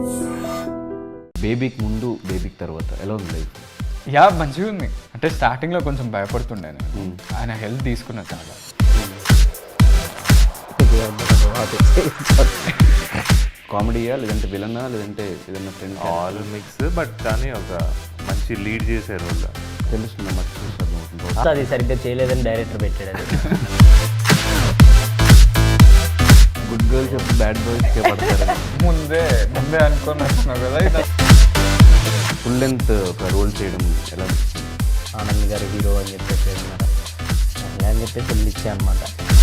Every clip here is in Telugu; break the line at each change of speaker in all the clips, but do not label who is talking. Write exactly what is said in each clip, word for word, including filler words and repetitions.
బేబీకి ముందు బేబీకి తర్వాత ఎలా ఉంది లైఫ్?
యా మంచిగా ఉంది. అంటే స్టార్టింగ్లో కొంచెం భయపడుతుండే నేను, ఆయన హెల్ప్ తీసుకున్నా చాలా.
కామెడీయా లేదంటే విలనా లేదంటే ఏదన్నా ఫ్రెండ్?
ఆల్ మిక్స్, బట్ కానీ ఒక మంచి లీడ్ చేసే రోల్
తెలుస్తుంది అన్నమాట. చూస్తాను
అది సరిగ్గా చేయలేదని డైరెక్టర్ పెట్టాడు. అది
గుడ్ గర్ల్స్ ఎప్పుడు బ్యాడ్ బాయ్స్కే పడతారు.
ముందే ముందే అనుకొని వచ్చినావు కదా. ఇది
ఫుల్ లెంత్ ఒక రోల్ చేయడం ఎలా?
ఆనంద్ గారు హీరో అని చెప్పేసి అన్నారు. అలా అని చెప్పేసి వెళ్ళి ఇచ్చా అనమాట.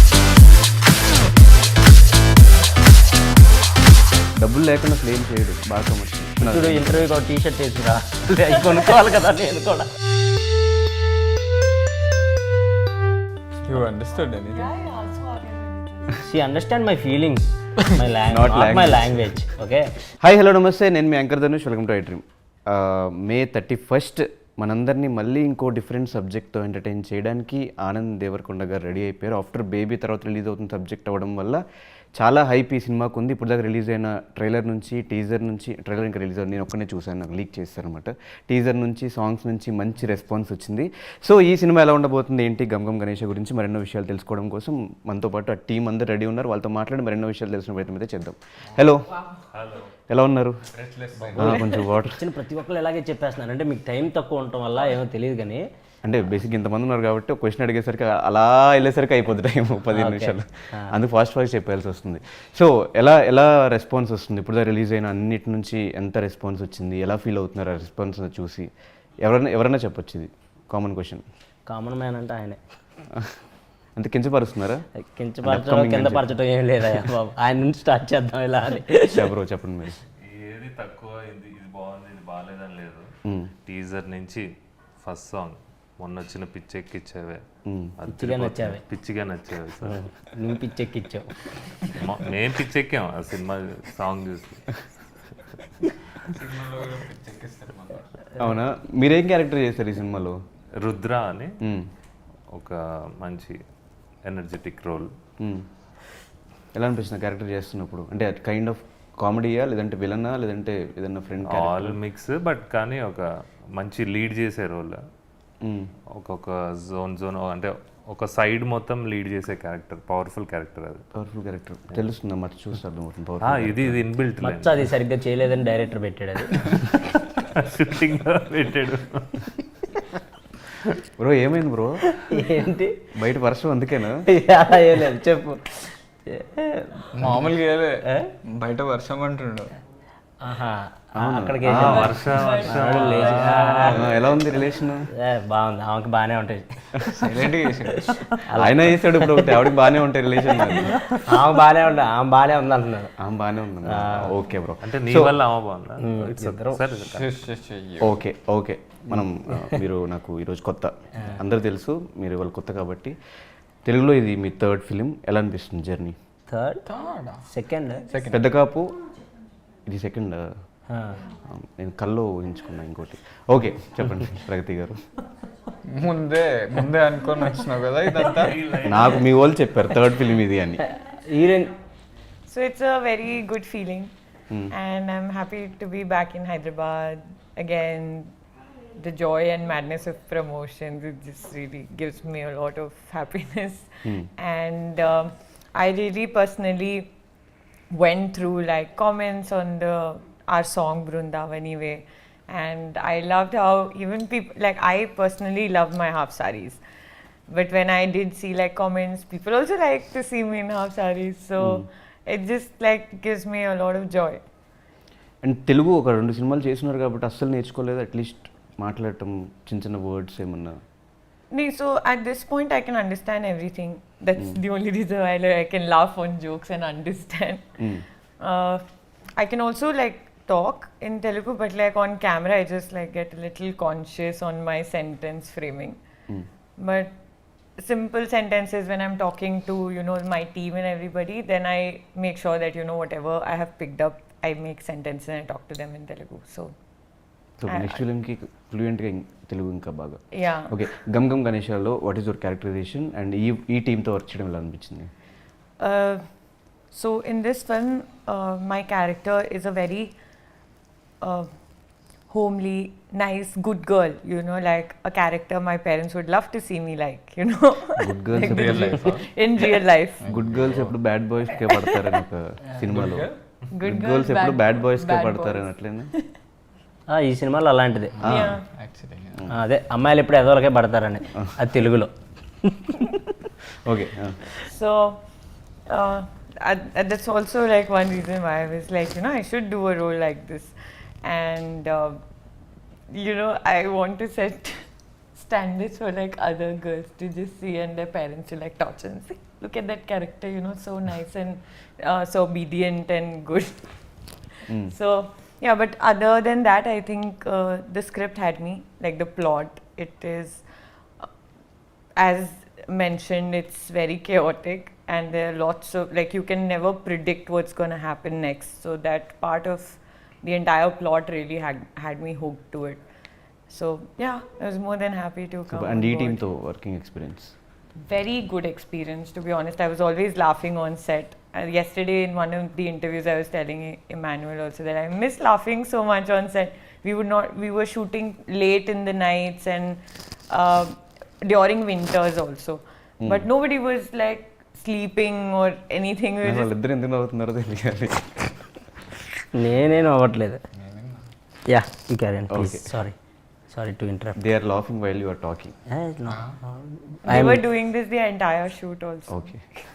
డబ్బులు లేకుండా క్లెయిమ్ చేయడు బాగా కమర్షియల్.
ఇప్పుడు ఇంటర్వ్యూకి ఒక టీ షర్ట్ వేసిరా కొనుక్కోవాలి కదా నేను కూడా.
You understood anything?
She understand my feelings, my
Not
language, not my
language.
Language. Okay,
hi hello నమస్తే, నేను మీ anchor Dhanush. Welcome to I dream. May thirty first మనందరినీ మళ్ళీ ఇంకో డిఫరెంట్ సబ్జెక్ట్తో ఎంటర్టైన్ చేయడానికి ఆనంద్ దేవరకొండ గారు రెడీ అయిపోయారు. ఆఫ్టర్ బేబీ తర్వాత రిలీజ్ అవుతున్న సబ్జెక్ట్ అవ్వడం వల్ల చాలా హైప్ ఈ సినిమాకు ఉంది. ఇప్పుడు దాకా రిలీజ్ అయిన ట్రైలర్ నుంచి, టీజర్ నుంచి, ట్రైలర్ ఇంకా రిలీజ్ అవ్వదు, నేను ఒక్కనే చూశాను, నాకు లీక్ చేస్తారనమాట. టీజర్ నుంచి, సాంగ్స్ నుంచి మంచి రెస్పాన్స్ వచ్చింది. సో ఈ సినిమా ఎలా ఉండబోతుంది ఏంటి, గమ్ గమ్ గణేష్ గురించి మరెన్నో విషయాలు తెలుసుకోవడం కోసం మనతో పాటు ఆ టీం అందరూ రెడీ ఉన్నారు. వాళ్ళతో మాట్లాడి మరెన్నో విషయాలు తెలిసిన ప్రయత్నం అయితే చేద్దాం. హలో, ఎలా ఉన్నారు? కొంచెం వాటర్.
వచ్చిన ప్రతి ఒక్కరు ఇలాగే చెప్పేస్తున్నారు. అంటే మీకు టైం తక్కువ ఉండటం వల్ల ఏమో తెలియదు కానీ,
అంటే బేసిక్ ఇంతమంది ఉన్నారు కాబట్టి ఒక క్వశ్చన్ అడిగేసరికి అలా వెళ్ళేసరికి అయిపోతుంది టైం పదిహేను నిమిషాలు. అందుకు ఫాస్ట్ ఫాస్ట్ చెప్పాల్సి వస్తుంది. సో ఎలా ఎలా రెస్పాన్స్ వస్తుంది? ఇప్పుడు రిలీజ్ అయిన అన్నిటి నుంచి ఎంత రెస్పాన్స్ వచ్చింది? ఎలా ఫీల్ అవుతున్నారు ఆ రెస్పాన్స్ చూసి? ఎవరైనా ఎవరైనా చెప్పొచ్చు, ఇది కామన్ క్వశ్చన్.
కామన్ మ్యాన్ అంటే ఆయనే.
అంత కించపరుస్తున్నారా?
కించపరచడం కింద పరచడం ఏం లేదా బాబు, ఆయన నుంచి స్టార్ట్ చేద్దాం ఇలా అని.
చెప్పరు చెప్పండి మీరు.
ఏది తక్కువ, ఇది ఇది బాగుంది ఇది బాగాలేదని లేదు. టీజర్ నుంచి ఫస్ట్ సాంగ్ మొన్న వచ్చిన పిచ్చెక్కిచ్చావే,
పిచ్చిగా నచ్చావే,
పిచ్చిగా నచ్చావే సార్.
నువ్వు పిచ్చెక్కిచ్చావు,
మేము పిచ్చెక్కాం ఆ సినిమా సాంగ్ చూసి.
అవునా? మీరేం క్యారెక్టర్ చేస్తారు ఈ సినిమాలో?
రుద్ర అని ఒక మంచి ఎనర్జెటిక్ రోల్.
ఎలా అనిపిస్తుంది క్యారెక్టర్ చేస్తున్నప్పుడు? అంటే కైండ్ ఆఫ్ కామెడీయా లేదంటే విలనా లేదంటే ఏదన్నా ఫ్రెండ్?
ఆల్ మిక్స్, బట్ కానీ ఒక మంచి లీడ్ చేసే రోల్. ఒక్కొక్క జోన్ జోన్ అంటే ఒక సైడ్ మొత్తం లీడ్ చేసే క్యారెక్టర్, పవర్ఫుల్ క్యారెక్టర్. అది
పవర్ఫుల్ క్యారెక్టర్ తెలుస్తుందా? మచ్చ చూస్తాను.
ఇది ఇది ఇన్బిల్ట్
మచ్చ అది సరిగ్గా చేయలేదని డైరెక్టర్ పెట్టాడు. అది
షూటింగ్ పెట్టాడు.
బ్రో ఏమైంది బ్రో?
ఏంటి
బయట వర్షం అందుకేనా?
అలా ఏం లేదు, చెప్పు.
మామూలుగా ఏదే బయట వర్షం అంటుండు.
ఆహా, అక్కడికి
వర్ష వర్షం
ఎలా ఉంది రిలేషన్?
బాగుంది, ఆమెకి బాగానే ఉంటుంది.
సైలెంట్గా చేసాడు
ఆయన వేసాడు ఇప్పుడు ఒకటి, ఆవిడకి బాగానే ఉంటాయి రిలేషన్.
ఆమె బాగానే ఉంటుంది, ఆమె బాగానే ఉంది అంటున్నాడు.
ఆమె బాగానే ఉంది. Okay bro.
అంటే నీ వల్ల ఆమె బాగుందా?
Okay okay. మనం మీరు నాకు ఈరోజు కొత్త, అందరూ తెలుసు మీరు ఇవాళ కొత్త కాబట్టి. తెలుగులో ఇది మీ థర్డ్ ఫిలిం, ఎలా అనిపిస్తుంది జర్నీ?
థర్డ్ సెకండ్
పెద్ద కాపు ఇది సెకండ్. నేను కల్లో ఊహించుకున్నా ఇంకోటి. ఓకే చెప్పండి ప్రగతి గారు.
ముందే ముందే అనుకొని వచ్చినావు కదా ఇదంతా.
నాకు మీ వాళ్ళు చెప్పారు థర్డ్ ఫిలిం ఇది అని.
Heroine.
So it's a very good feeling, mm. and I'm happy to be back in Hyderabad again. The joy and madness of promotions, it just really gives me a lot of happiness. Mm. And um, I really personally went through like comments on the our song Brundavani Way, and I loved how even people like I personally love my half sarees, but when I did see like comments, people also like to see me in half sarees, so mm. it just like gives me a lot of joy.
And తెలుగు ఒక రెండు సినిమాలు చేస్తున్నారు కాబట్టి అస్సలు నేర్చుకోలేదు, అట్లీస్ట్ మాట్లాడటం చిన్న చిన్న వర్డ్స్ ఏమన్నా?
So at this point I can understand everything. That's mm. the only reason why like, I can laugh on jokes and understand. Mm. Uh, I can also like talk in Telugu, but like on camera I just like get a little conscious on my sentence framing. Mm. But simple sentences when I'm talking to, you know, my team and everybody, then I make sure that, you know, whatever I have picked up, I make sentences and I talk to them in Telugu. So
so next ఫిలింకి ఫ్లూయెంట్గా తెలుగు ఇంకా బాగా.
యా.
ఓకే, గమ్ గమ్ గణేశాలో what is your characterization and ఈ ఈ టీంతో వర్క్ చేయడం ఎలా అనిపించింది?
So in this film my character is a very a homely, nice, good girl, you know, like a character my parents would love to see me like, you know.
Good girls
real life
In real life.
Good girls ఎప్పుడు బ్యాడ్ బాయ్స్ కే పడతారని ఒక సినిమాలో
Good
గుడ్
girls,
గర్ల్స్ ఎప్పుడు
bad-
బ్యాడ్ బాయ్స్ కే
bad
పడతారని
boys.
అట్లేనా
ఆ, ఈ సినిమాలో అలాంటిదే
Yeah.
యాక్చువల్లీ
ఆ, అదే అమ్మాయిలు ఎప్పుడు ఎదవలకే పడతారని అది తెలుగులో.
Okay
So uh, I- I- that's also like one reason why I was like, you know, I should do a role like this. And, uh, you know, I want to set standards for like other girls to just see and their parents to like torture and say, look at that character, you know, so nice and uh, so obedient and good. So, yeah, but other than that, I think uh, the script had me, like the plot. It is, uh, as mentioned, it's very chaotic and there are lots of, like, you can never predict what's going to happen next. So, that part of the entire plot really had, had me hooked to it. So, yeah, I was more than happy to come.
And ఈ
on board.
టీంతో working experience
Very good experience, to be honest. I was always laughing on set. Uh, yesterday, in one of the interviews, I was telling E- Emmanuel also that I miss laughing so much on set. We would not. We were shooting late in the nights and uh, during winters also. But nobody was like sleeping or anything. We were just
వాళ్ళిద్దరు ఎందుకు నవ్వుతున్నారో తెలియాలి
నేనేం అవ్వట్లేదు. Yeah you carry please. Sorry sorry to interrupt.
They are laughing while you are talking
they were doing this the entire shoot also.
Okay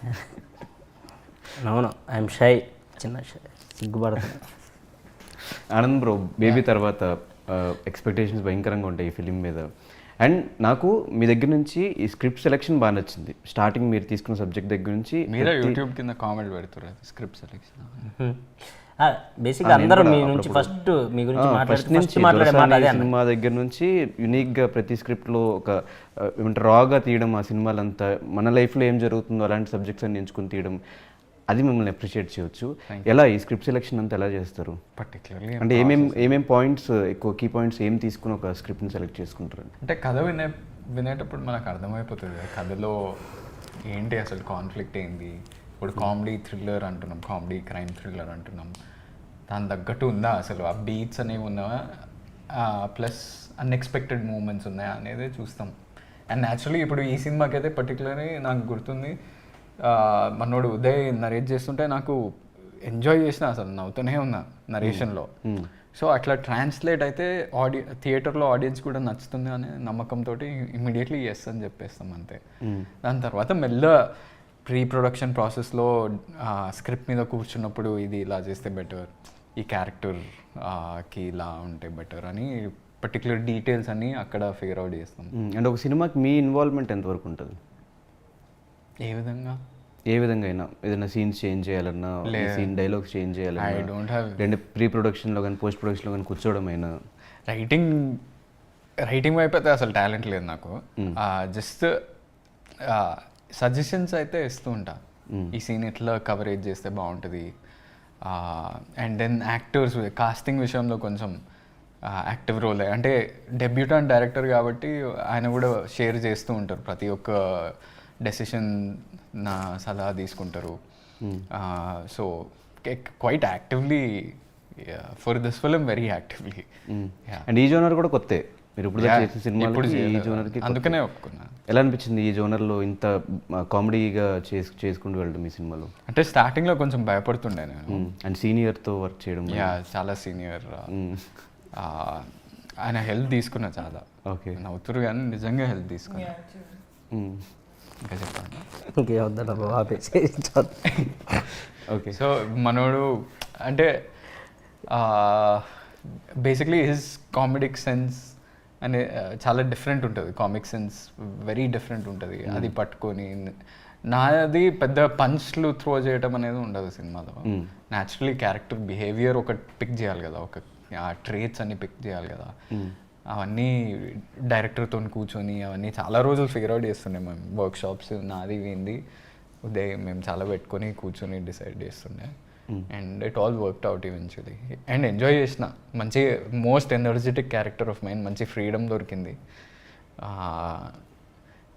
అవును ఐఎమ్ షై, చిన్న షై, సిగ్గుపడుతున్నా.
ఆనంద్ బ్రో బేబీ తర్వాత ఎక్స్పెక్టేషన్స్ భయంకరంగా ఉంటాయి ఈ ఫిలిం మీద. అండ్ నాకు మీ దగ్గర నుంచి ఈ స్క్రిప్ట్ సెలెక్షన్ బాగా నచ్చింది. స్టార్టింగ్ మీరు తీసుకున్న సబ్జెక్ట్ దగ్గర నుంచి
మీరే
ప్రతి-
యూట్యూబ్ కింద కామెంట్ పెడుతున్నారు స్క్రిప్ట్ సెలెక్షన్.
బేసిక్గా
ఆ, నేను
అందరూ
కూడా
మీ నుంచి
అప్పుడప్పుడు-
ఫస్ట్ మీ గురించి
ఆ,
మాట్లాడితే
ఫస్ట్ నుంచి
ఫస్ట్ మాట్లాడే మాట
దొరసాని
అదే అన్న.
సినిమా దగ్గర నుంచి యునిక్గా ప్రతి స్క్రిప్ట్లో ఒక ఆ, ఏమంటారు రాగా తీయడం, ఆ సినిమాలంతా మన లైఫ్లో ఏం జరుగుతుందో అలాంటి సబ్జెక్ట్స్ అన్ని ఎంచుకుని తీయడం, అది మిమ్మల్ని అప్రిషియేట్ చేయొచ్చు. ఎలా ఈ స్క్రిప్ట్ సెలెక్షన్ అంతా ఎలా చేస్తారు?
పర్టికులర్లీ
అంటే ఏమేం ఏమేం పాయింట్స్ ఎక్కువ కీ పాయింట్స్ ఏం తీసుకుని ఒక స్క్రిప్ట్ని సెలెక్ట్ చేసుకుంటారు?
అంటే కథ వినే వినేటప్పుడు మనకు అర్థమైపోతుంది కదా కథలో ఏంటి అసలు కాన్ఫ్లిక్ట్ ఏంది. ఇప్పుడు కామెడీ థ్రిల్లర్ అంటున్నాం, కామెడీ క్రైమ్ థ్రిల్లర్ అంటున్నాం, దాని తగ్గట్టు ఉందా అసలు ఆ బీట్స్ అనేవి ఉన్నావా, ప్లస్ అన్ఎక్స్పెక్టెడ్ మూమెంట్స్ ఉన్నాయా అనేది చూస్తాం. అండ్ న్యాచురలీ ఇప్పుడు ఈ సినిమాకి అయితే పర్టికులర్లీ నాకు గుర్తుంది, ఆ, మనోడు ఉదయ్ నరేట్ చేస్తుంటే నాకు ఎంజాయ్ చేసిన, అసలు నవ్వుతూనే ఉన్నా నరేషన్లో. సో అట్లా ట్రాన్స్లేట్ అయితే ఆడి థియేటర్లో ఆడియన్స్ కూడా నచ్చుతుంది అనే నమ్మకంతో ఇమీడియట్లీ ఎస్ అని చెప్పేస్తాం అంతే. దాని తర్వాత మెల్ల ప్రీ ప్రొడక్షన్ ప్రాసెస్లో స్క్రిప్ట్ మీద కూర్చున్నప్పుడు ఇది ఇలా చేస్తే బెటర్, ఈ క్యారెక్టర్కి ఇలా ఉంటే బెటర్ అని పర్టికులర్ డీటెయిల్స్ అన్నీ అక్కడ ఫిగర్ అవుట్ చేస్తాం.
అండ్ ఒక సినిమాకి మీ ఇన్వాల్వ్మెంట్ ఎంతవరకు ఉంటుంది?
ఏ విధంగా?
ఏ విధంగా అయినా ఏదైనా సీన్స్ చేంజ్ చేయాలన్నా, సీన్ డైలాగ్స్ చేంజ్
ఐ
చేయాలన్నా,
డోంట్ హ్యావ్
లేదంటే ప్రీ ప్రొడక్షన్లో కానీ పోస్ట్ ప్రొడక్షన్లో కానీ కూర్చోవడం అయినా.
రైటింగ్ రైటింగ్ వైపు అయితే అసలు టాలెంట్ లేదు నాకు. జస్ట్ సజెషన్స్ అయితే ఇస్తూ ఉంటా, ఈ సీన్ ఎట్లా కవరేజ్ చేస్తే బాగుంటుంది. అండ్ దెన్ యాక్టర్స్ కాస్టింగ్ విషయంలో కొంచెం యాక్టివ్ రోల్, అంటే డెబ్యూటాంట్ డైరెక్టర్ కాబట్టి ఆయన కూడా షేర్ చేస్తూ ఉంటారు, ప్రతి ఒక్క డెసిషన్ నా సలహా తీసుకుంటారు. So quite actively for this film, very actively.
And ఈ జోనర్ కూడా కొత్తే, మీరు ఇప్పుడు
Yeah,
చేసిన సినిమాలు
ఎప్పుడు
ఈ
చేయలేదు.
జోనర్కి
అందుకనే ఒప్పుకున్నా.
ఎలా అనిపించింది ఈ జోనర్లో ఇంత కామెడీగా చేసు చేసుకుంటూ వెళ్ళడం ఈ సినిమాలో?
అంటే స్టార్టింగ్లో కొంచెం భయపడుతుండే నేను.
అండ్ సీనియర్తో వర్క్ చేయడం.
యా చాలా సీనియర్, ఆయన హెల్ప్ తీసుకున్నా చాలా.
ఓకే.
నవ్వుతురు కానీ నిజంగా హెల్ప్ తీసుకున్నా.
Yeah, true.
ఇంకా చెప్పండి.
ఇంకే వద్దా బాబు ఆపేసి.
ఓకే.
సో మనోడు అంటే బేసిక్లీ హిజ్ కామెడిక్ సెన్స్ అనే చాలా డిఫరెంట్ ఉంటుంది. కామిక్ సెన్స్ వెరీ డిఫరెంట్ ఉంటుంది. అది పట్టుకొని నాది పెద్ద పంచ్లు త్రో చేయడం అనేది ఉండదు సినిమాలో. న్యాచురలీ క్యారెక్టర్ బిహేవియర్ ఒకటి పిక్ చేయాలి కదా, ఒక ఆ ట్రేట్స్ అన్ని పిక్ చేయాలి కదా. అవన్నీ డైరెక్టర్తో కూర్చొని అవన్నీ చాలా రోజులు ఫిగర్ అవుట్ చేస్తుండే మేము. వర్క్ షాప్స్ నాది ఏంది ఉదయం మేము చాలా పెట్టుకొని కూర్చొని డిసైడ్ చేస్తుండే. And it all worked out eventually. And enjoy చేసిన, మంచి most energetic character of mind, మంచి ఫ్రీడమ్ దొరికింది.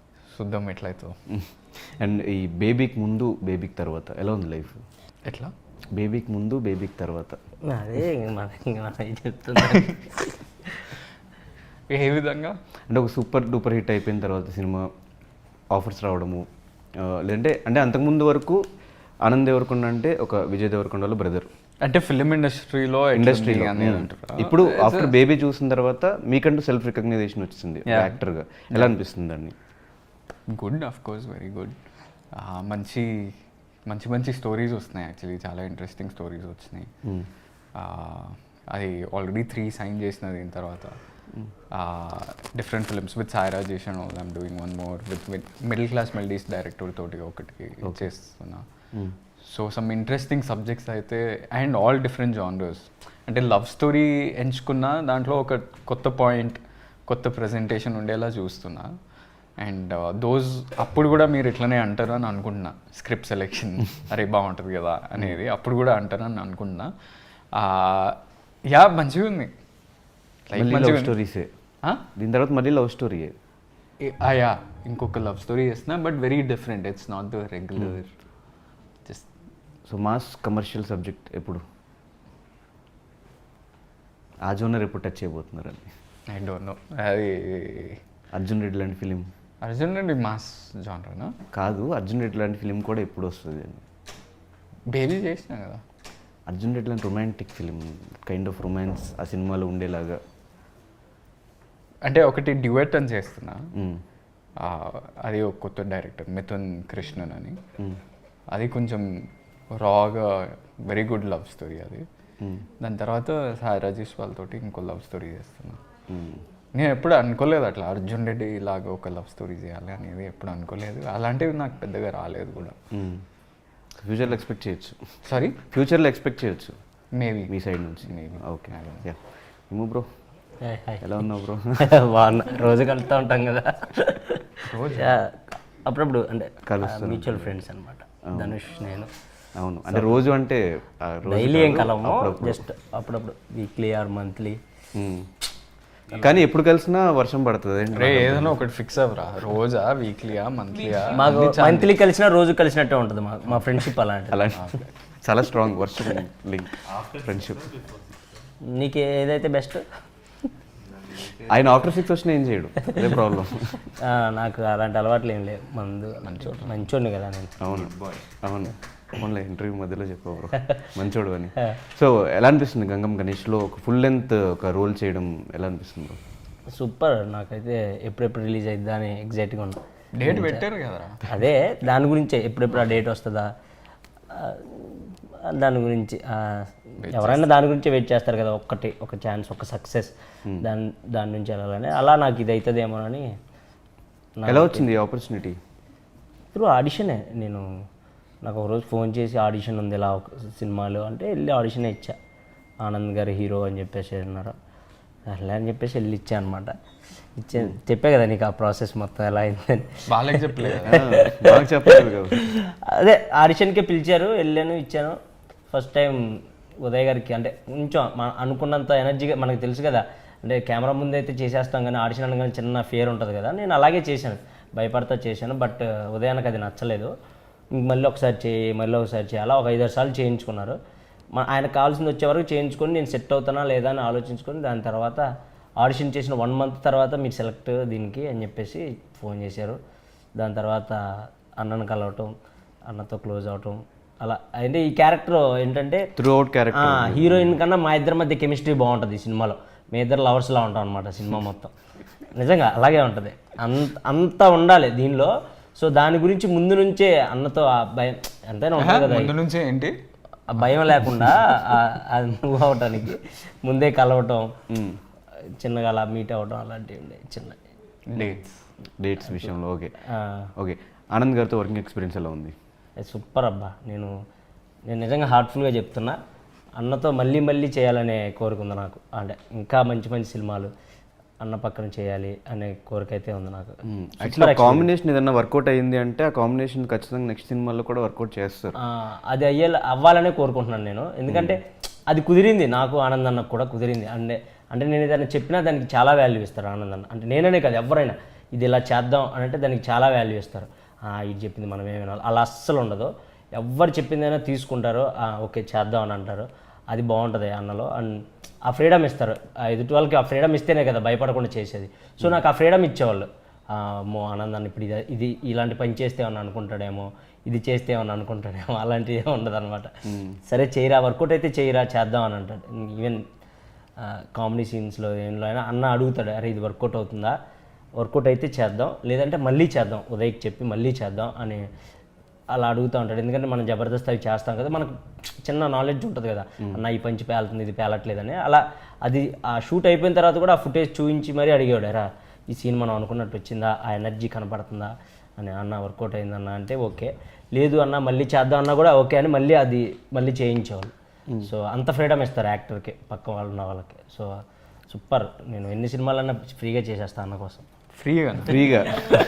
చూద్దాం ఎట్లయితే.
అండ్ ఈ బేబీకి ముందు బేబీకి తర్వాత ఎలా ఉంది లైఫ్?
ఎట్లా
బేబీకి ముందు బేబీకి తర్వాత
అదే ఇంక మన ఇంక మనం చెప్తున్నా.
ఏ విధంగా?
అంటే ఒక సూపర్ డూపర్ హిట్ అయిపోయిన తర్వాత సినిమా ఆఫర్స్ రావడము, ఆ, లేదంటే అంటే అంతకుముందు వరకు ఆనంద్ దేవరకొండ అంటే ఒక విజయ్ దేవరకొండ వాళ్ళ బ్రదర్
అంటే ఫిలిం ఇండస్ట్రీలో
ఇండస్ట్రీలో
అనేది అంటారా?
ఇప్పుడు ఆఫ్టర్ బేబీ చూసిన తర్వాత మీకంటూ సెల్ఫ్ రికగ్నైజేషన్ వచ్చింది యాక్టర్గా, ఎలా అనిపిస్తుంది అండి?
Good, of course very good. మంచి మంచి మంచి స్టోరీస్ వస్తున్నాయి యాక్చువల్లీ, చాలా ఇంట్రెస్టింగ్ స్టోరీస్ వచ్చినాయి. Ah, అది ఆల్రెడీ త్రీ సైన్ చేసిన దీని తర్వాత డిఫరెంట్ ఫిల్మ్స్ విత్ సాయిరా చేసాను. I'm doing one more with with middle class melodies director తోటి ఒకటికి చేస్తున్నా. సో సమ్ ఇంట్రెస్టింగ్ సబ్జెక్ట్స్ అయితే, అండ్ ఆల్ డిఫరెంట్ జానర్స్. అంటే లవ్ స్టోరీ ఎంచుకున్న దాంట్లో ఒక కొత్త పాయింట్, కొత్త ప్రజెంటేషన్ ఉండేలా చూస్తున్నా. అండ్ దోస్ అప్పుడు కూడా మీరు ఇట్లనే అంటారు అని అనుకుంటున్నా. స్క్రిప్ట్ సెలెక్షన్ అరే బాగుంటుంది కదా అనేది అప్పుడు కూడా అంటారు అని అనుకుంటున్నా. యా మంచిగా ఉంది, లైక్
లవ్
మంచిగా
స్టోరీసే దీని తర్వాత మళ్ళీ లవ్ స్టోరీయే.
యా ఇంకొక లవ్ స్టోరీ చేస్తున్నా, but very different. It's not the regular just.
So mass commercial subject ఎప్పుడు, ఆ జోనర్ ఎప్పుడు టచ్ చేయబోతున్నారండి?
I don't know. అది
అర్జున్ రెడ్డి లాంటి ఫిలిం
అర్జున్ రెడ్డి మాస్ జానరేనా?
కాదు, అర్జున్ రెడ్డి లాంటి ఫిలిం కూడా ఎప్పుడు వస్తుంది అండి?
బేబీ చేసినా కదా.
అర్జున్ రెడ్డి లాంటి romantic film, kind of romance ఆ సినిమాలో ఉండేలాగా.
అంటే ఒకటి డ్యూయట్ అని చేస్తున్నా.
మ్మ్.
ఆ, అది ఒక కొత్త డైరెక్టర్ మిథున్ కృష్ణన్ అని.
మ్మ్.
అది కొంచెం రాగా వెరీ గుడ్ లవ్ స్టోరీ అది.
మ్మ్.
దాని తర్వాత సాయి రాజేష్ వాళ్ళతోటి ఇంకో లవ్ స్టోరీ చేస్తున్నా.
మ్మ్.
నేను ఎప్పుడు అనుకోలేదు అట్లా అర్జున్ రెడ్డి ఇలాగా ఒక లవ్ స్టోరీ చేయాలి అనేది ఎప్పుడు అనుకోలేదు. అలాంటివి నాకు పెద్దగా రాలేదు కూడా.
మ్మ్. ఫ్యూచర్లో ఎక్స్పెక్ట్ చేయొచ్చు.
సారీ,
ఫ్యూచర్లో ఎక్స్పెక్ట్ చేయొచ్చు
మేబీ
మీ సైడ్ నుంచి.
Maybe.
ఓకే, యా. ఏమో బ్రో,
హాయ్ హాయ్.
ఎలా ఉన్నావు బ్రో?
బాగున్నా, రోజు కలుస్తూ ఉంటాం కదా.
రోజు?
Yeah, అప్పుడప్పుడు అంటే
కలుస్తాం.
మ్యూచువల్ ఫ్రెండ్స్ అనమాట ధనుష్ నేను.
అవును, అంటే రోజు అంటే ఆ రోజు
డైలీ ఏం
కాదు,
కలము,
అప్పుడప్పుడు.
జస్ట్ అప్పుడప్పుడు వీక్లీ ఆర్ మంత్లీ.
మ్మ్. కానీ ఎప్పుడు కలిసినా వర్షం పడుతుంది
రే ఏదైనా ఒకటి ఫిక్స్ అవ్వరా, రోజా వీక్లీయా మంత్లీయా?
మాకు మంత్లీ కలిసినా రోజు కలిసినట్టే ఉంటుంది మా మా ఫ్రెండ్షిప్ అలాంటిది.
అలా చాలా స్ట్రాంగ్ వర్షం లింక్ ఫ్రెండ్షిప్.
నీకు ఏదైతే బెస్ట్?
ఆయన ఆఫ్టర్ సిక్స్ వచ్చినా ఏం చేయడు, అదే ప్రాబ్లం.
నాకు అలాంటి అలవాట్లు ఏం లేవు. మందు మంచోడు మంచోడిని కదా నేను.
అవును అవును అవునులే, ఇంటర్వ్యూ మధ్యలో చెప్పావు బ్రో మంచోడు అని. సో ఎలా అనిపిస్తుంది గంగం గణేష్లో ఒక ఫుల్ లెంత్ ఒక రోల్ చేయడం ఎలా అనిపిస్తుంది బ్రో?
సూపర్, నాకైతే ఎప్పుడెప్పుడు రిలీజ్ అయిద్దా అని ఎగ్జైట్గా ఉన్నా.
డేట్ పెట్టారు కదరా.
అదే దాని గురించే ఎప్పుడెప్పుడు ఆ డేట్ వస్తుందా ఆ, దాని గురించి ఆ, ఎవరైనా దాని గురించి వెయిట్ చేస్తారు కదా, ఒక్కటి ఒక ఛాన్స్, ఒక సక్సెస్, దాని దాని నుంచి వెళ్ళాలని. అలా నాకు ఇది అవుతుందేమోనని.
ఎలా వచ్చింది ఆపర్చునిటీ?
త్రూ ఆడిషనే. నేను నాకు ఒకరోజు ఫోన్ చేసి ఆడిషన్ ఉంది ఇలా ఒక సినిమాలో అంటే వెళ్ళి ఆడిషన్ ఇచ్చా. ఆనంద్ గారు హీరో అని చెప్పేసి అన్నారు. అలా అని చెప్పేసి వెళ్ళి ఇచ్చా అనమాట. ఇచ్చే చెప్పే కదా నీకు ఆ ప్రాసెస్ మొత్తం ఎలా అయిందని.
వాళ్ళకి చెప్పలేదు.
బాగా చెప్పలేదు కదా.
అదే ఆడిషన్కే పిలిచారు, వెళ్ళాను, ఇచ్చాను. ఫస్ట్ టైం ఉదయ్ గారికి అంటే కొంచెం మన అనుకున్నంత ఎనర్జీగా మనకు తెలుసు కదా, అంటే కెమెరా ముందు అయితే చేసేస్తాం కానీ ఆడిషన్ అనగానే చిన్న ఫియర్ ఉంటుంది కదా. నేను అలాగే చేశాను, భయపడతా చేశాను. బట్ ఉదయానికి అది నచ్చలేదు. ఇంక మళ్ళీ ఒకసారి చేయి మళ్ళీ ఒకసారి చేయి అలా ఒక ఐదారు సార్లు చేయించుకున్నారు. మా ఆయనకు కావాల్సింది వచ్చే వరకు చేయించుకొని నేను సెట్ అవుతానా లేదా అని ఆలోచించుకొని దాని తర్వాత ఆడిషన్ చేసిన వన్ మంత్ తర్వాత మీరు సెలెక్ట్ దీనికి అని చెప్పేసి ఫోన్ చేశారు. దాని తర్వాత అన్నను కలవటం, అన్నతో క్లోజ్ అవటం అలా. అంటే ఈ క్యారెక్టర్ ఏంటంటే
త్రూ అవుట్ క్యారెక్టర్
హీరోయిన్ కన్నా మా ఇద్దరి మధ్య కెమిస్ట్రీ బాగుంటుంది ఈ సినిమాలో. మీ ఇద్దరు లవర్స్లా ఉంటాం అనమాట సినిమా మొత్తం. నిజంగా అలాగే ఉంటుంది, అంత అంతా ఉండాలి దీనిలో. సో దాని గురించి ముందు నుంచే అన్నతో ఆ భయం ఎంతైనా ఉంటుంది కదా,
ముందు నుంచే ఏంటి
ఆ భయం లేకుండా ఆ- అది మూవ్ అవటానికి ముందే కలవటం, చిన్నగా అలా మీట్ అవ్వటం అలాంటివి ఉండే చిన్న
డేట్స్.
డేట్స్ విషయంలో. ఓకే ఓకే ఆనంద్ గారితో వర్కింగ్ ఎక్స్పీరియన్స్ ఎలా ఉంది?
సూపర్ అబ్బా. నేను నేను నిజంగా హార్ట్ఫుల్గా చెప్తున్నా, అన్నతో మళ్ళీ మళ్ళీ చేయాలనే కోరిక ఉంది నాకు. అంటే ఇంకా మంచి మంచి సినిమాలు అన్న పక్కన చేయాలి అనే కోరిక అయితే ఉంది నాకు.
యాక్చువల్లీ కాంబినేషన్ ఏదైనా వర్కౌట్ అయ్యింది అంటే ఆ కాంబినేషన్ ఖచ్చితంగా నెక్స్ట్ సినిమాలో కూడా వర్కౌట్ చేస్తారు.
ఆ, అది అయ్యే అవ్వాలనే కోరుకుంటున్నాను నేను. ఎందుకంటే అది కుదిరింది, నాకు ఆనంద్ అన్నకు కూడా కుదిరింది. అంటే అంటే నేను ఏదైనా చెప్పినా దానికి చాలా వాల్యూ ఇస్తారు ఆనంద్ అన్న. అంటే నేననే కాదు ఎవరైనా ఇది ఇలా చేద్దాం అని అంటే దానికి చాలా వాల్యూ ఇస్తారు. ఇది చెప్పింది మనం ఏమి వినాలి అలా అస్సలు ఉండదు. ఎవరు చెప్పిందైనా తీసుకుంటారు, "ఆ, ఓకే చేద్దాం" అని అంటారు. అది బాగుంటుంది అన్నలో. అండ్ ఆ ఫ్రీడమ్ ఇస్తారు, ఆ ఎదుటి వాళ్ళకి ఆ ఫ్రీడమ్ ఇస్తేనే కదా భయపడకుండా చేసేది. సో నాకు ఆ ఫ్రీడమ్ ఇచ్చేవాళ్ళు. మో ఆనందాన్ని ఇప్పుడు ఇది ఇది ఇలాంటి పని చేస్తే ఏమన్నా అనుకుంటాడేమో, ఇది చేస్తే ఏమన్నా అనుకుంటాడేమో, అలాంటివి ఏమి ఉండదు అనమాట. సరే చేయరా, వర్కౌట్ అయితే చేయరా, చేద్దాం అని అంటాడు. ఈవెన్ కామెడీ సీన్స్లో ఏంలో అయినా అన్న అడుగుతాడు, అరే ఇది వర్కౌట్ అవుతుందా, వర్కౌట్ అయితే చేద్దాం, లేదంటే మళ్ళీ చేద్దాం, ఉదయ్కి చెప్పి మళ్ళీ చేద్దాం అని అలా అడుగుతూ ఉంటాడు. ఎందుకంటే మనం జబర్దస్త్ అవి చేస్తాం కదా, మనకు చిన్న నాలెడ్జ్ ఉంటుంది కదా, అన్న ఈ పంచి పేలుతుంది, ఇది పేలట్లేదని. అలా అది ఆ షూట్ అయిపోయిన తర్వాత కూడా ఆ ఫుటేజ్ చూపించి మరీ అడిగాడు, రా ఈ సీన్ మనం అనుకున్నట్టు వచ్చిందా, ఆ ఎనర్జీ కనపడుతుందా అని. అన్న వర్కౌట్ అయిందన్న అంటే ఓకే, లేదు అన్న మళ్ళీ చేద్దాం అన్నా కూడా ఓకే అని మళ్ళీ అది మళ్ళీ చేయించేవాళ్ళు. సో అంత ఫ్రీడమ్ ఇస్తారు యాక్టర్కి, పక్క వాళ్ళు ఉన్న వాళ్ళకి. సో సూపర్, నేను ఎన్ని సినిమాలన్నా ఫ్రీగా చేసేస్తాను అన్న కోసం.
ఫ్రీగా
ఫ్రీగా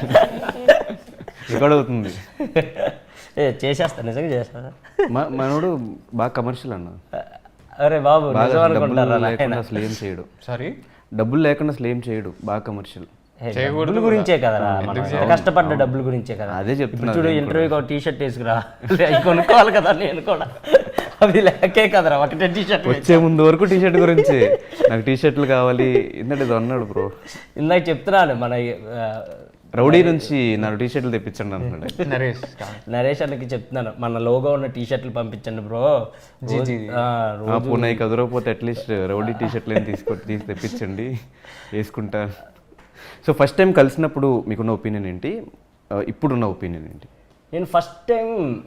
రికార్డ్ అవుతుంది.
ఏ చేసేస్తా, నిజంగా చేస్తా.
మా మనోడు బాగా కమర్షియల్ అన్న,
అరే బాబు
బాగా
నిజం
డబ్బులు
అనుకుంటారా
లేకుండా
నాయనా?
అసలు ఏం చేయడు,
సారీ
డబ్బులు లేకుండా అసలు ఏం చేయడు, బాగా కమర్షియల్.
ఏ, డబ్బుల గురించే కదరా, మనం ఎంత కష్టపడ్డ డబ్బుల గురించే కదా.
అదే చెప్తున్నా
చూడు, ఇంటర్వ్యూకి ఒక టీ షర్ట్ వేసుకురా, అవి కొనుక్కోవాలి కదా నేను కూడా, అవి లేకే కదరా ఒకటే టీ షర్ట్.
వచ్చే ముందు వరకు టీ షర్ట్ గురించి, నాకు టీ షర్ట్లు కావాలి ఇందంటే ఇది అన్నాడు బ్రో.
ఇందాక చెప్తున్నాను మన ఆ,
రౌడీ నుంచి నాకు టీ షర్ట్లు తెప్పించండి అంటున్నాడు.
నరేష్
నరేష్ అన్నకి చెప్తున్నాను, మన లోగో ఉన్న టీ షర్ట్లు పంపించండి బ్రో.
ఆ పూనాయి కదరకపోతే అట్లీస్ట్ రౌడీ టీ షర్ట్లు ఏం తీసుకో తీసి తెప్పించండి, వేసుకుంటా. సో ఫస్ట్ టైం కలిసినప్పుడు మీకున్న ఒపీనియన్ ఏంటి, ఇప్పుడున్న ఒపీనియన్ ఏంటి?
నేను ఫస్ట్ టైం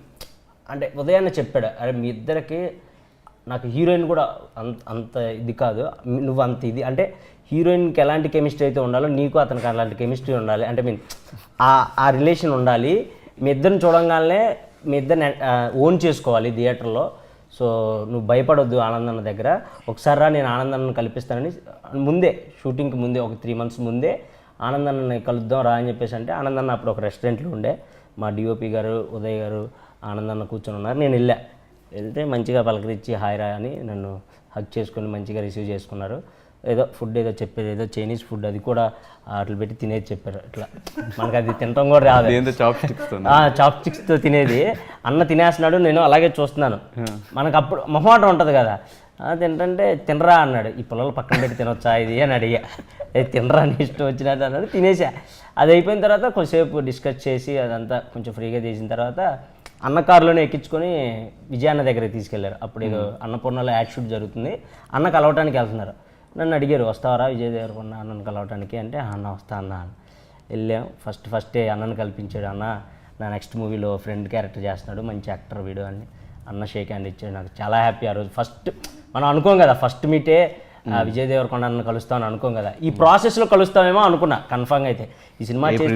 అంటే ఉదయాన్నే చెప్పాడు, అరే మీ ఇద్దరికి నాకు హీరోయిన్ కూడా అంత అంత ఇది కాదు, నువ్వు అంత ఇది అంటే హీరోయిన్కి ఎలాంటి కెమిస్ట్రీ అయితే ఉండాలో నీకు అతనికి అలాంటి కెమిస్ట్రీ ఉండాలి, అంటే మీన్ ఆ ఆ రిలేషన్ ఉండాలి. మీ ఇద్దరిని చూడంగానే మీ ఇద్దరిని ఓన్ చేసుకోవాలి థియేటర్లో. సో నువ్వు భయపడొద్దు ఆనందన్న దగ్గర, ఒకసారి రా నేను ఆనందన్నను కల్పిస్తానని ముందే, షూటింగ్కి ముందే ఒక త్రీ మంత్స్ ముందే ఆనందన్నని కలుద్దాం రా అని చెప్పేసి అంటే, ఆనందన్న అప్పుడు ఒక రెస్టారెంట్లో ఉండే, మా డిఓపి గారు ఉదయ్ గారు ఆనందన్న కూర్చొని ఉన్నారు. నేను వెళ్ళా, వెళ్తే మంచిగా పలకరించి హాయ్ రా అని నన్ను హగ్ చేసుకొని మంచిగా రిసీవ్ చేసుకున్నారు. ఏదో ఫుడ్ ఏదో చెప్పారు, ఏదో చైనీస్ ఫుడ్, అది కూడా అట్లా పెట్టి తినేది చెప్పారు. ఇట్లా మనకు అది తినడం కూడా రాదు,
చాప్ స్టిక్స్
చాప్ స్టిక్స్తో తినేది. అన్న తినేస్తున్నాడు, నేను అలాగే చూస్తున్నాను. మనకు అప్పుడు మొహమాటం ఉంటుంది కదా, తింటే తినరా అన్నాడు, ఈ పిల్లలు పక్కన పెట్టి తినొచ్చా ఇది అని అడిగా. తినరా అని ఇష్టం వచ్చినట్టు అన్నాడు, తినేసా. అది అయిపోయిన తర్వాత కొంచెంసేపు డిస్కస్ చేసి అదంతా కొంచెం ఫ్రీగా చేసిన తర్వాత అన్న కారులోనే ఎక్కించుకొని విజయాన్న దగ్గరికి తీసుకెళ్లారు. అప్పుడు ఏదో అన్నపూర్ణలో యాడ్ షూట్ జరుగుతుంది, అన్న కలవటానికి వెళ్తున్నారు. నన్ను అడిగారు, వస్తావరా విజయ్ దేవరకొండ అన్నను కలవటానికి అంటే, అన్న వస్తా అన్న అని వెళ్ళాం. ఫస్ట్ ఫస్టే అన్నను కల్పించాడు. అన్న నా నెక్స్ట్ మూవీలో ఫ్రెండ్ క్యారెక్టర్ చేస్తున్నాడు, మంచి యాక్టర్ వీడు అని అన్న షేక్ హ్యాండ్ ఇచ్చాడు. నాకు చాలా హ్యాపీ ఆ రోజు. ఫస్ట్ మనం అనుకోం కదా, ఫస్ట్ మీటే విజయ్ దేవరకొండ అన్న కలుస్తామని అనుకోం కదా, ఈ ప్రాసెస్లో కలుస్తామేమో అనుకున్నా కన్ఫామ్గా. అయితే ఈ సినిమా చేస్తే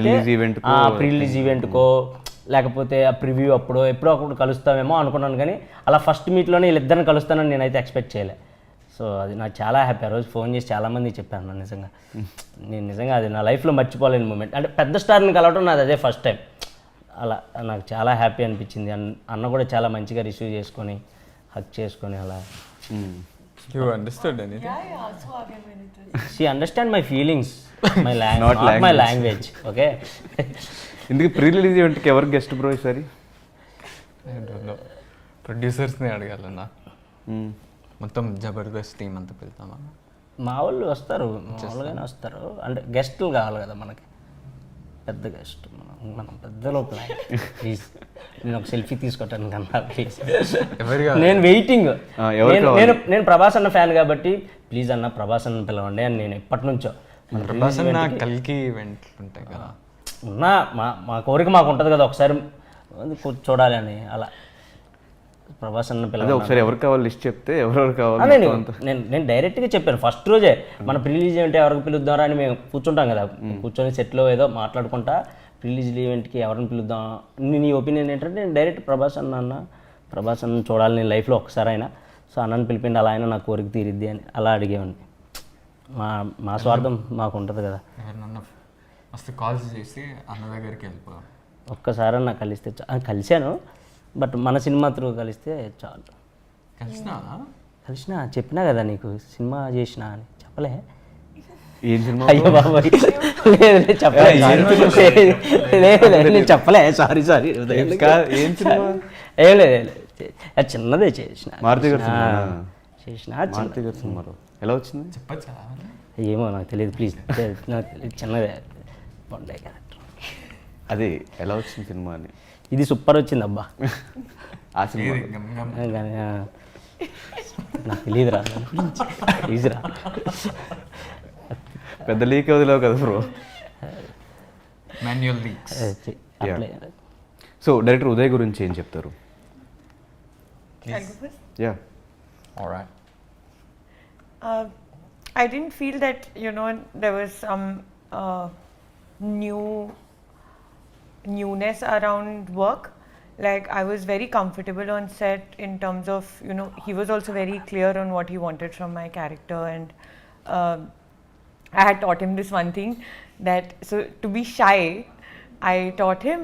ప్రీ రిలీజ్ ఈవెంట్కో లేకపోతే ఆ ప్రివ్యూ అప్పుడు ఎప్పుడో అప్పుడు కలుస్తామేమో అనుకున్నాను, కానీ అలా ఫస్ట్ మీట్లోనే వీళ్ళిద్దరిని కలుస్తానని నేనైతే ఎక్స్పెక్ట్ చేయలే. సో అది నాకు చాలా హ్యాపీ. ఆ రోజు ఫోన్ చేసి చాలామంది చెప్పాను నా నిజంగా, నేను నిజంగా అది నా లైఫ్లో మర్చిపోలేని మూమెంట్. అంటే పెద్ద స్టార్ని కలవడం నాది అదే ఫస్ట్ టైం. అలా నాకు చాలా హ్యాపీ అనిపించింది. అన్న కూడా చాలా మంచిగా రిసీవ్ చేసుకొని హక్ చేసుకొని అలా.
You understand anything?
She understand my feelings, my language, not my language. Okay,
ఇందుకు ప్రీ రిలీజ్ ఈవెంట్కి ఎవరు గెస్ట్ బ్రో ఈసారి?
ప్రొడ్యూసర్స్ని అడగాలన్నా, మొత్తం జబర్దస్త్ టీం అంతా వెళ్తామా?
మా వాళ్ళు వస్తారు, మామూలుగానే వస్తారు. అంటే గెస్టులు కావాలి కదా మనకి, పెద్ద గెస్ట్. మనం మనం పెద్దలో ప్లాన్. ప్లీజ్ నేను ఒక సెల్ఫీ తీసుకోవటానికి అన్నా ప్లీజ్, నేను వెయిటింగ్. నేను నేను ప్రభాస్ అన్న ఫ్యాన్ కాబట్టి ప్లీజ్ అన్న ప్రభాస్ అన్న పిలవండి అని నేను ఎప్పటి నుంచో.
ప్రభాస్ అన్న కల్కి ఈవెంట్లు ఉంటాయి కదా,
ఉన్నా మా మా కోరిక మాకు ఉంటుంది కదా ఒకసారి చూడాలి అని. అలా ప్రభాస్ అన్న పిల్లలు
ఒకసారి ఎవరు కావాలి లిస్ట్ చెప్తే ఎవరెవరు కావాలి.
నేను నేను నేను డైరెక్ట్గా చెప్పాను ఫస్ట్ రోజే, మన ప్రిలీజ్ ఈవెంట్ ఎవరికి పిలుద్దారా అని మేము కూర్చుంటాం కదా, కూర్చొని సెట్లో ఏదో మాట్లాడుకుంటా ప్రిలీజ్ ఈవెంట్కి ఎవరిని పిలుద్దాం, నీ ఒపీనియన్ ఏంటంటే నేను డైరెక్ట్ ప్రభాస్ అన్న అన్న ప్రభాస్ అన్న చూడాలి నేను లైఫ్లో ఒకసారి అయినా, సో అన్నని పిలిపిండి అలా అయినా నా కోరిక తీరిద్ది అని అలా అడిగేవాడిని. మా మా స్వార్థం మాకు ఉంటుంది కదా.
ఎవరినన్నా ఫస్ట్ కాల్స్ చేసి అన్న దగ్గరికి వెళ్ళిపో,
ఒక్కసారి నాకు కలిస్తే కలిశాను, బట్ మన సినిమా త్రూ కలిస్తే చాలు.
కలిసినా
కలిసిన చెప్పినా కదా నీకు సినిమా చేసిన అని చెప్పలే.
ఏం సినిమా?
అయ్యో బాబాయ్, లేదు చెప్పలే, లేదు నేను చెప్పలే, సారీ సారీ.
ఏం సినిమా?
ఏం లేదు ఏం లేదు చే- అది చిన్నదే చేసిన
మారుతి గారి
ఆ,
సినిమానా?
చేసిన అది చిన్న-
మారుతి గారి సినిమాలో ఎలా వచ్చింది?
చెప్పచ్చా
ఏమో నాకు తెలియదు ప్లీజ్ నాకు తెలియదు చిన్నదే బాగుండే క్యారెక్టర్.
అదే ఎలా వచ్చింది సినిమా అని.
ఇది సూపర్ వచ్చింది అబ్బా.
ఆ సినిమా
గమ్ గమ్
ఆ, కానీ, ఆ, నాకు తెలియదురా ప్లీజ్రా.
పెద్ద లీక్ వదిలేవు కదా బ్రో.
Manual leaks.
అట్లే
సో డైరెక్టర్ ఉదయ్ గురించి ఏం చెప్తారు?
I'll go first.
Yeah
alright.
Uh, I didn't feel that you know there was some uh, new newness around work. Like I was very comfortable on set in terms of you know he was also very clear on what he wanted from my character, and uh, I had taught him this one thing that so to be shy, I taught him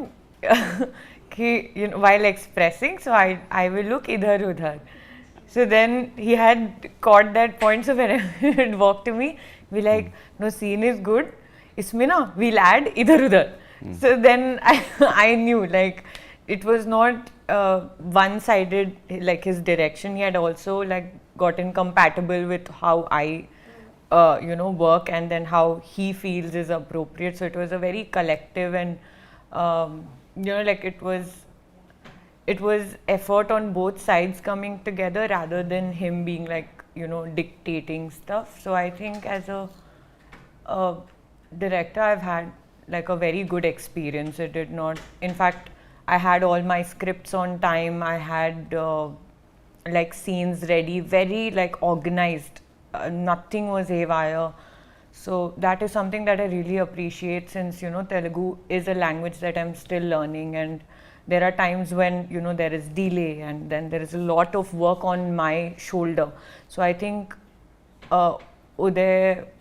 कि you know while expressing, so I I will look idhar udhar. So then he had caught that point. So when he would walk to me, be like, no, scene is good. Isme na we'll add idhar udhar. So then I I knew like it was not uh, one-sided like his direction. He had also like gotten compatible with how I uh, you know work, and then how he feels is appropriate. So it was a very collective and um, you know like it was it was effort on both sides coming together rather than him being like you know dictating stuff. So I think as a, a director I've had like a very good experience. It did not, in fact I had all my scripts on time. I had uh, like scenes ready, very like organized. Uh, nothing was haywire. So that is something that I really appreciate, since you know Telugu is a language that I'm still learning, and there are times when you know there is delay, and then there is a lot of work on my shoulder. So I think uh, Uday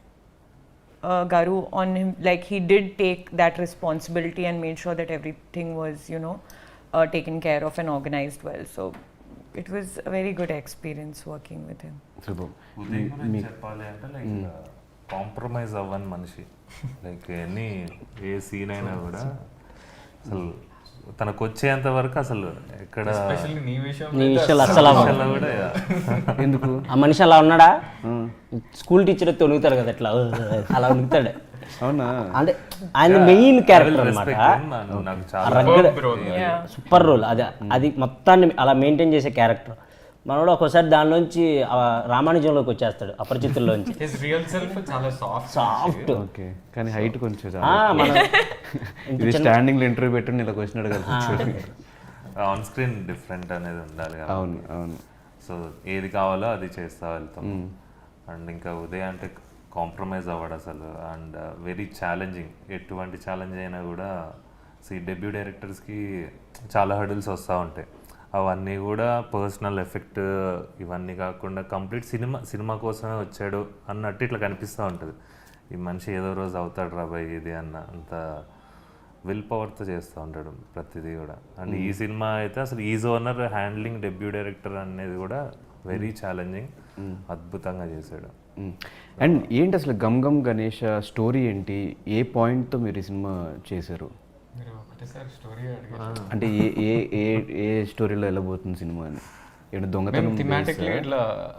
uh, Garu on him, like he did take that responsibility and made sure that everything was you know uh, taken care of and organized well. So it was a very good experience working with him.
Super.
Uday గురించి చెప్పాలి అంటే లైక్ కాంప్రమైజ్ అవ్వని మనిషి. లైక్ ఎన్ని ఏ సీన్ అయినా కూడా అసలు తనకు వచ్చేంత వరకు అసలు ఎక్కడ
ఎస్పెషల్లీ నీ విషయం
నీ విషయాలు అస్సలు అవ్వవు.
అలా కూడా
ఎందుకు?
ఆ మనిషి అలా ఉన్నాడా? స్కూల్ టీచర్ తొలుగుతాడు కదా అట్లా అలా ఉనుకుతాడు.
అవునా?
అంటే ఆయన మెయిన్ క్యారెక్టర్ అనమాట.
నాకు చాలా
Yeah.
సూపర్ రోల్ అది అది మొత్తాన్ని అలా మెయింటైన్ చేసే క్యారెక్టర్. మనోడు ఒక్కోసారి దానిలోంచి ఆ రామానుజంలోకి వచ్చేస్తాడు, అపరిచితుల్లోంచి.
హిస్ రియల్ సెల్ఫ్ చాలా సాఫ్ట్.
సాఫ్ట్.
ఓకే, కానీ హైట్ కొంచెం
ఆ, మన
ఇది స్టాండింగ్ లో ఇంటర్వ్యూ పెట్టి ఇలా వచ్చినాడు కదా.
ఆన్ స్క్రీన్ డిఫరెంట్ అనేది ఉండాలి కదా.
అవును అవును.
సో ఏది కావాలో అది చేస్తా వెళ్తాం. అండ్ ఇంకా ఉదయ్ అంటే కాంప్రమైజ్ అవ్వడు అసలు. And very challenging. ఎటువంటి ఛాలెంజ్ అయినా కూడా సి డెబ్యూ డైరెక్టర్స్కి చాలా హర్డిల్స్ వస్తూ ఉంటాయి. అవన్నీ కూడా పర్సనల్ ఎఫెక్ట్ ఇవన్నీ కాకుండా కంప్లీట్ సినిమా సినిమా కోసమే వచ్చాడు అన్నట్టు ఇట్లా కనిపిస్తూ ఉంటుంది. ఈ మనిషి ఏదో రోజు అవుతాడు రాబాయ్ ఇది అన్న అంత విల్ పవర్తో చేస్తూ ఉంటాడు ప్రతిదీ కూడా. అండ్ ఈ సినిమా అయితే అసలు is owner handling debut director అనేది కూడా వెరీ ఛాలెంజింగ్. అద్భుతంగా చేశాడు.
అండ్ ఏంటి అసలు గమ్ గమ్ గణేష్ స్టోరీ ఏంటి? ఏ పాయింట్తో మీరు ఈ సినిమా చేశారు?
మీరు ఒకటేసారి స్టోరీ అడిగారు.
అంటే ఏ ఏ ఏ ఏ స్టోరీలో వెళ్ళబోతుంది సినిమా అని? ఏంటి దొంగతనం
థిమాటిక్లీ ఇట్లా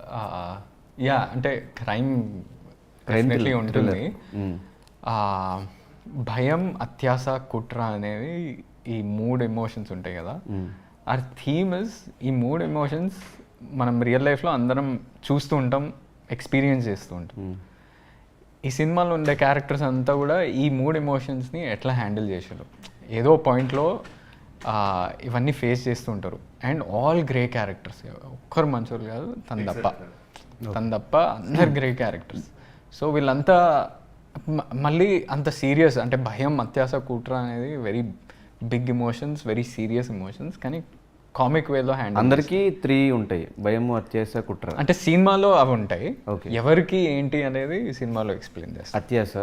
యా అంటే క్రైమ్ డెఫినెట్లీ ఉంటుంది. ఆ, భయం, అత్యాస, కుట్ర అనేవి ఈ మూడు ఎమోషన్స్ ఉంటాయి కదా. ఆ థీమ్ ఇస్ ఈ మూడు ఎమోషన్స్ మనం రియల్ లైఫ్లో అందరం చూస్తూ ఉంటాం, ఎక్స్పీరియన్స్ చేస్తూ ఉంటాం. ఈ సినిమాలో ఉండే క్యారెక్టర్స్ అంతా కూడా ఈ మూడు ఎమోషన్స్ని ఎట్లా హ్యాండిల్ చేశారు, ఏదో పాయింట్లో ఇవన్నీ ఫేస్ చేస్తూ ఉంటారు. అండ్ ఆల్ గ్రే క్యారెక్టర్స్, ఒక్కరు మంచోళ్ళు కాదు, తన తప్ప తన తప్ప అందరు గ్రే క్యారెక్టర్స్. సో వీళ్ళంతా మ- మళ్ళీ అంత సీరియస్, అంటే భయం, అత్యాస, కుట్ర అనేది very big emotions, very serious emotions, కానీ కామిక్ వేలో హ్యాండిల్.
అందరికీ త్రీ ఉంటాయి, భయం, అత్యాస, కుట్ర.
అంటే సినిమాలో అవి ఉంటాయి,
Okay.
ఎవరికి ఏంటి అనేది సినిమాలో ఎక్స్ప్లెయిన్ చేస్తారు.
అత్యాస,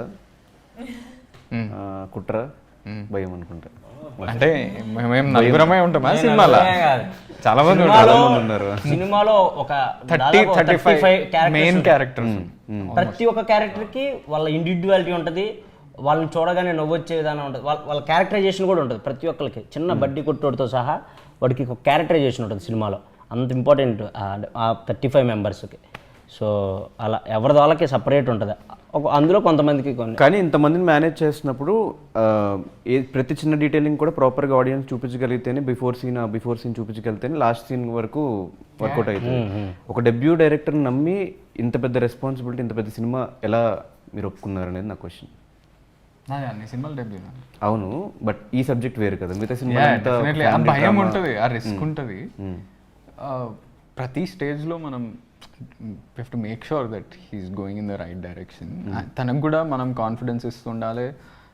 ఆ, కుట్ర, భయం అనుకుంటా.
అంటే మేము నలుగురమే ఉంటామా సినిమాలో? చాలా మంది
సినిమాలో
ఉన్నారు.
సినిమాలో ఒక
thirty thirty five main characters.
ప్రతి ఒక్క క్యారెక్టర్కి వాళ్ళ ఇండివిజువాలిటీ ఉంటుంది, వాళ్ళని చూడగానే నవ్వొచ్చే విధానం ఉంటుంది, వాళ్ళ వాళ్ళ క్యారెక్టరైజేషన్ కూడా ఉంటుంది ప్రతి ఒక్కరికి. చిన్న బడ్డీ కొట్టోడితో సహా వాడికి ఒక క్యారెక్టరైజేషన్ ఉంటుంది సినిమాలో, అంత ఇంపార్టెంట్ ఆ థర్టీ ఫైవ్ మెంబర్స్కి. సో అలా ఎవరి వాళ్ళకి సపరేట్ ఉంటుంది, ఒక అందులో కొంతమందికి కొన్ని.
కానీ ఇంతమందిని మేనేజ్ చేస్తున్నప్పుడు ఆ, ఏ ప్రతి చిన్న డీటెయిలింగ్ కూడా ప్రాపర్గా ఆడియన్స్ చూపించగలిగితేనే, బిఫోర్ సీన్ బిఫోర్ సీన్ చూపించగలిగితేనే లాస్ట్ సీన్ వరకు వర్కౌట్ అవుతుంది. ఒక డెబ్యూ డైరెక్టర్ని నమ్మి ఇంత పెద్ద రెస్పాన్సిబిలిటీ, ఇంత పెద్ద సినిమా ఎలా మీరు ఒప్పుకున్నారు అనేది నా క్వశ్చన్.
నాది అన్ని సినిమాలు డెబ్యూ.
అవును, బట్ ఈ సబ్జెక్ట్ వేరు కదా, మిగతా సినిమా
ఆ భయం ఉంటుంది, ఆ రిస్క్ ఉంటుంది. ప్రతి స్టేజ్లో మనం have to make sure that he's going in the right direction. తనకు కూడా మనం కాన్ఫిడెన్స్ ఇస్తుండాలి.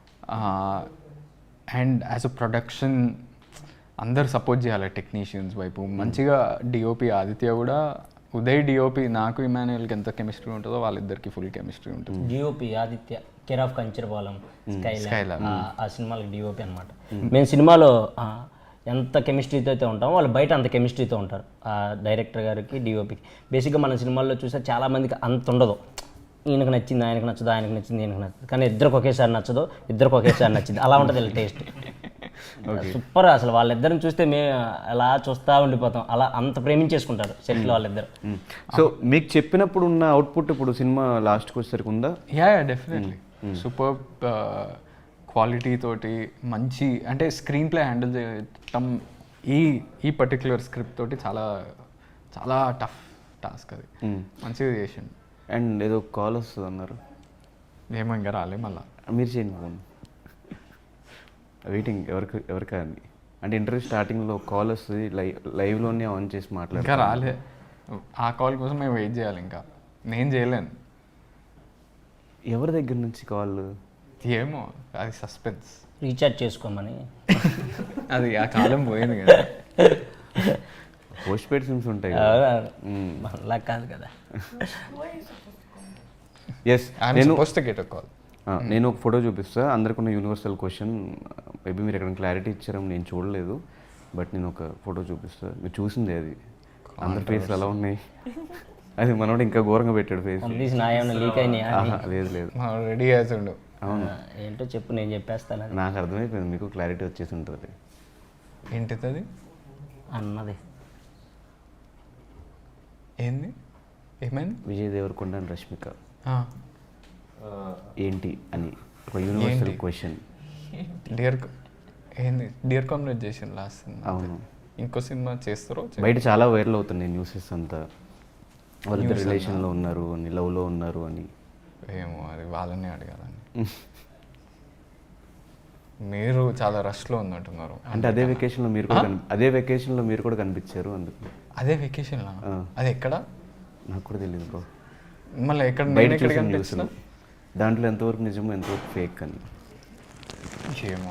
అండ్ యాజ్ అ ప్రొడక్షన్ అందరు సపోర్ట్ చేయాలి టెక్నీషియన్స్ వైపు. మంచిగా డిఓపి ఆదిత్య కూడా, ఉదయ్ డిఓపి నాకు ఇమాన్యుయల్కి ఎంత కెమిస్ట్రీ ఉంటుందో వాళ్ళిద్దరికి ఫుల్ కెమిస్ట్రీ ఉంటుంది.
DOP Aditya, care of Kancharapalem, Skyland, ఆ సినిమాలకి డిఓపి అనమాట. మేము సినిమాలో ఆ, ఎంత కెమిస్ట్రీతో అయితే ఉంటామో వాళ్ళు బయట అంత కెమిస్ట్రీతో ఉంటారు, ఆ డైరెక్టర్ గారికి డిఓపికి. బేసిక్గా మన సినిమాల్లో చూస్తే చాలా మందికి అంత ఉండదు, ఈయనకు నచ్చింది ఆయనకు నచ్చదు, ఆయనకు నచ్చింది ఈయనకు నచ్చదు, కానీ ఇద్దరికి ఒకేసారి నచ్చదు, ఇద్దరికి ఒకేసారి నచ్చింది, అలా ఉంటుంది వీళ్ళ టేస్ట్. సూపర్ అసలు, వాళ్ళిద్దరిని చూస్తే మేము అలా చూస్తూ ఉండిపోతాం, అలా అంత ప్రేమించేసుకుంటారు సెట్లో వాళ్ళిద్దరు.
సో మీకు చెప్పినప్పుడు ఉన్న అవుట్పుట్ ఇప్పుడు సినిమా లాస్ట్కి వచ్చేసరికి ఉందా?
యా డెఫినెట్లీ సూపర్ క్వాలిటీ తోటి, మంచి అంటే స్క్రీన్ ప్లే హ్యాండిల్ చేయటం ఈ ఈ పర్టిక్యులర్ స్క్రిప్ట్ తోటి చాలా చాలా టఫ్ టాస్క్ అది. మంచిగా చేసిండు.
అండ్ ఏదో కాల్ వస్తుంది అన్నారు,
ఏమో ఇంకా రాలే మళ్ళా.
మీరు చేయండి ఫోన్, వెయిటింగ్ ఎవరికి ఎవరికా అని. అంటే ఇంటర్వ్యూ స్టార్టింగ్లో కాల్ వస్తుంది, లైవ్ లైవ్లోనే ఆన్ చేసి
ఇంకా
మాట్లాడారు.
రాలే, ఆ కాల్ కోసం మేము వెయిట్ చేయాలి. ఇంకా నేను చేయలేను.
ఎవరి దగ్గర నుంచి కాల్?
ఏమో, అది సస్పెన్స్.
రీఛార్జ్ చేసుకోమని.
అది ఆ కాలం పోయింది కదా.
పోస్ట్ పెయిడ్ సిమ్స్ ఉంటాయి.
అలా కాదు కదా.
ఎస్, నేను
గెట్ అ కాల్.
నేను ఒక ఫోటో చూపిస్తా, అందరికి ఉన్న యూనివర్సల్ క్వశ్చన్. మేబీ మీరు ఎక్కడ క్లారిటీ ఇచ్చారని నేను చూడలేదు, బట్ నేను ఒక ఫోటో చూపిస్తా. మీరు చూసింది అది, అందరి ఫేస్లు ఎలా ఉన్నాయి. అది మనోడు ఇంకా ఘోరంగా పెట్టాడు ఫేస్.
లీక్ అయినాయా?
లేదు లేదు,
రెడీ చేసిండు.
అవును,
ఏంటో చెప్పు, నేను చెప్పేస్తాను.
నాకు అర్థమైపోయింది, మీకు క్లారిటీ వచ్చేసి ఉంటుంది.
ఏంటిది అది
అన్నది?
ఏంది, ఏమైంది?
విజయ్ దేవరకొండ అండ్ రష్మిక
ఆ,
ఏంటి అని ఒక యూనివర్సల్
ఏంటి?
క్వశ్చన్.
డియర్ ఏంది డియర్ కామ్రేడ్ చేసిండు లాస్ట్ సినిమా.
అవును,
ఇంకో సినిమా చేస్తారో చే-
బయట చాలా వైరల్ అవుతున్నాయి న్యూసెస్ అంతా, వాళ్ళిద్దరు రిలేషన్లో ఉన్నారు అని, లవ్లో ఉన్నారు అని.
ఏమో, అది వాళ్ళని అడగాలని. మీరు చాలా రష్లో ఉన్నట్టున్నారు.
అంటే అదే వెకేషన్లో మీరు కూడా కని- అదే వెకేషన్లో మీరు కూడా కనిపించారు అందుకు.
అదే వెకేషన్లా?
ఆ.
అది ఎక్కడ?
నాకు కూడా తెలియదు బ్రో,
మళ్ళీ ఎక్కడ?
బయట
నేను ఎక్కడ
చూసిన
కనిపించిన?
న్యూస్లో దాంట్లో ఎంతవరకు నిజమో ఎంతవరకు ఫేక్ అని.
ఏమో,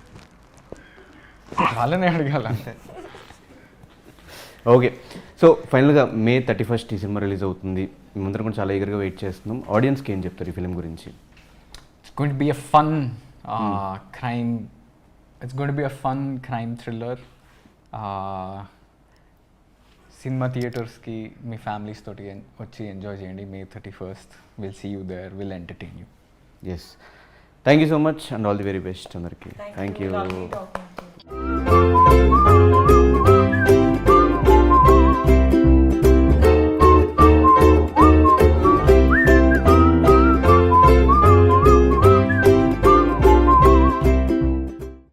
వాళ్ళని అడగాల అంతే.
ఓకే, సో ఫైనల్గా మే థర్టీ ఫస్ట్ ఈ సినిమా రిలీజ్ అవుతుంది. మేమందరం కూడా చాలా ఈగర్గా వెయిట్ చేస్తున్నాం. ఆడియన్స్కి ఏం చెప్తారు ఈ ఫిలిం గురించి?
It's going to be a fun uh, crime. It's going to be a fun crime thriller. Uh, సినిమా థియేటర్స్కి మీ ఫ్యామిలీస్ తోటి en- వచ్చి ఎంజాయ్ చేయండి. May thirty first will see you there, will entertain you.
Yes, thank you so much and all the very best అందరికీ. Thank you.
Lovely talking to you.